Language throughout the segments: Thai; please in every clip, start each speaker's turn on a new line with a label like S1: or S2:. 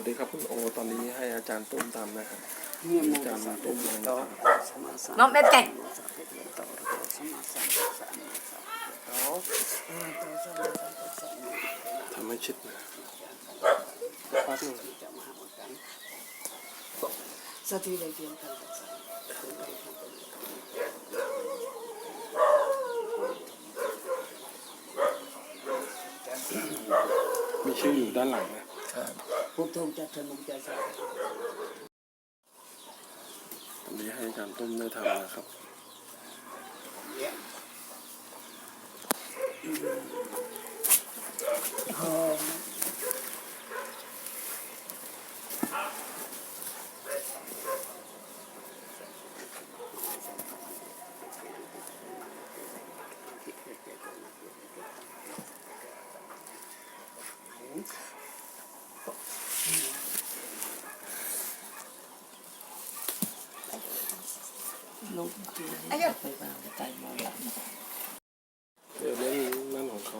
S1: ดีครับคุณโอตอนนี้ให้อาจารย์ตุ้มทำนะครับอาจารย์ตุ้มเลย
S2: น้องเด็ดเก่ง
S1: ทำให้ชิดนะแป๊บนึง
S2: สติเลยเพียงกัน
S1: มีชื่ออยู่ด้านหลังนะ
S2: พุทโธจัตตานุจัตตา
S1: ตอนนี้ให้อาจารย์ตุ้มได้ทำนะครับ
S2: ลูกไปวางใจมองหลัง
S1: เดี๋ยวเรื่องนั่นของเขา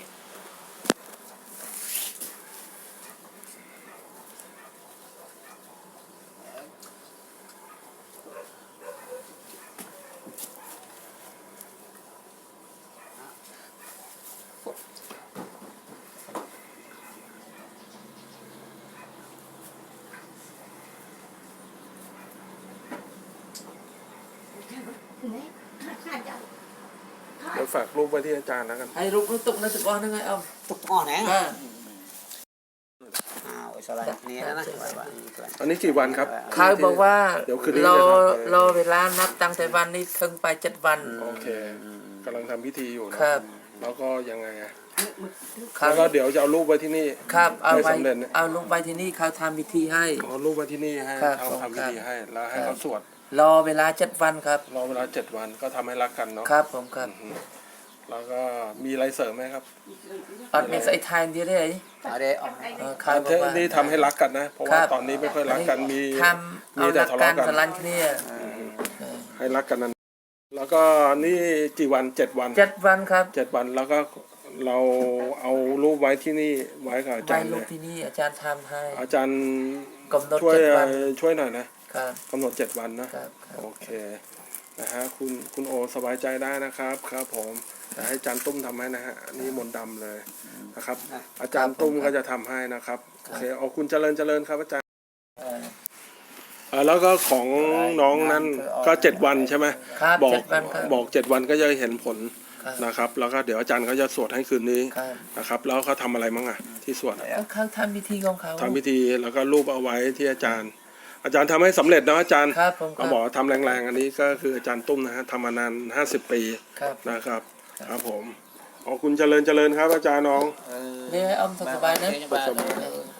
S1: เดี๋ยวฝากรูปไว้ที่อาจารย์แล้วกัน
S2: ให้รูปตุกนะตุกอ่อนยังไง
S3: ตุกอ่อนนะสไลด์นี้นะ
S1: อันนี้กี่วันครับ
S2: เขาบอกว่า
S1: เดี๋ยวคืนนี้
S2: รอเวลานับตั้งแต่วันนี้ถึงไป7 วัน
S1: โอเคกำลังทำพิธีอยู่นะครับแล้วก็ยังไง
S2: แล้ว
S1: ก็เดี๋ยวจะเอารูปไว้ที่นี่
S2: ครับเอารูปไว้ที่นี่เขาทำพิธีให้
S1: เอารูปไว้ที่นี่ให้เขาทำพิธีให้แล้วให้เขาสวด
S2: รอเวลา7 วันครับ
S1: รอเวลา7 วันก็ทำให้รักกันเนาะ
S2: ครับผมครับ
S1: แล้วก็มีอะไรเสริมไหมครับ
S2: อันนี้ใส่ไทม์ดีเลย
S1: นี่ทำให้รักกันนะเพราะว่าตอนนี้ไม่ค่อยรักกันมี
S2: แต่ทะเลาะกันสลันเนี่ย
S1: ให้รักกันนั้นแล้วก็นี่กี่วัน7 วัน
S2: 7 วันครับ
S1: 7 วันแล้วก็เราเอารูปไว้ที่นี่ไว้กับอาจารย์
S2: เลยที่นี่อาจารย์ทำให้
S1: อาจารย์
S2: กำหนด7 วัน
S1: ช่วยหน่อยนะกำหนด7 วันนะโอเคนะฮะคุณโอสบายใจได้นะครับครับผมจะให้อาจารย์ตุ้มทำให้นะฮะนี่มนต์ดำเลยนะครับอาจารย์ตุ้มก็จะทำให้นะครับโอเคเอาคุณเจริญครับอาจารย์แล้วก็ของน้องนั้นก็7 วันใช่ไหมบอก7 วันก็จะเห็นผลนะครับแล้วก็เดี๋ยวอาจารย์เขาจะสวดให้คืนนี้นะครับแล้วเขาทำอะไรมั้งที่สวด
S2: เขาทำพิธีของเขา
S1: ทำพิธีแล้วก็รูปเอาไว้ที่อาจารย์ทำให้สำเร็จนะอาจารย์เขาบอกทำแรงๆอันนี้ก็คืออาจารย์ตุ้มนะฮะทำมานาน50 ปีนะครับครับผมขอบคุณเจริญครับอาจารย์น้อง
S2: นี่ให้อมสบายนะ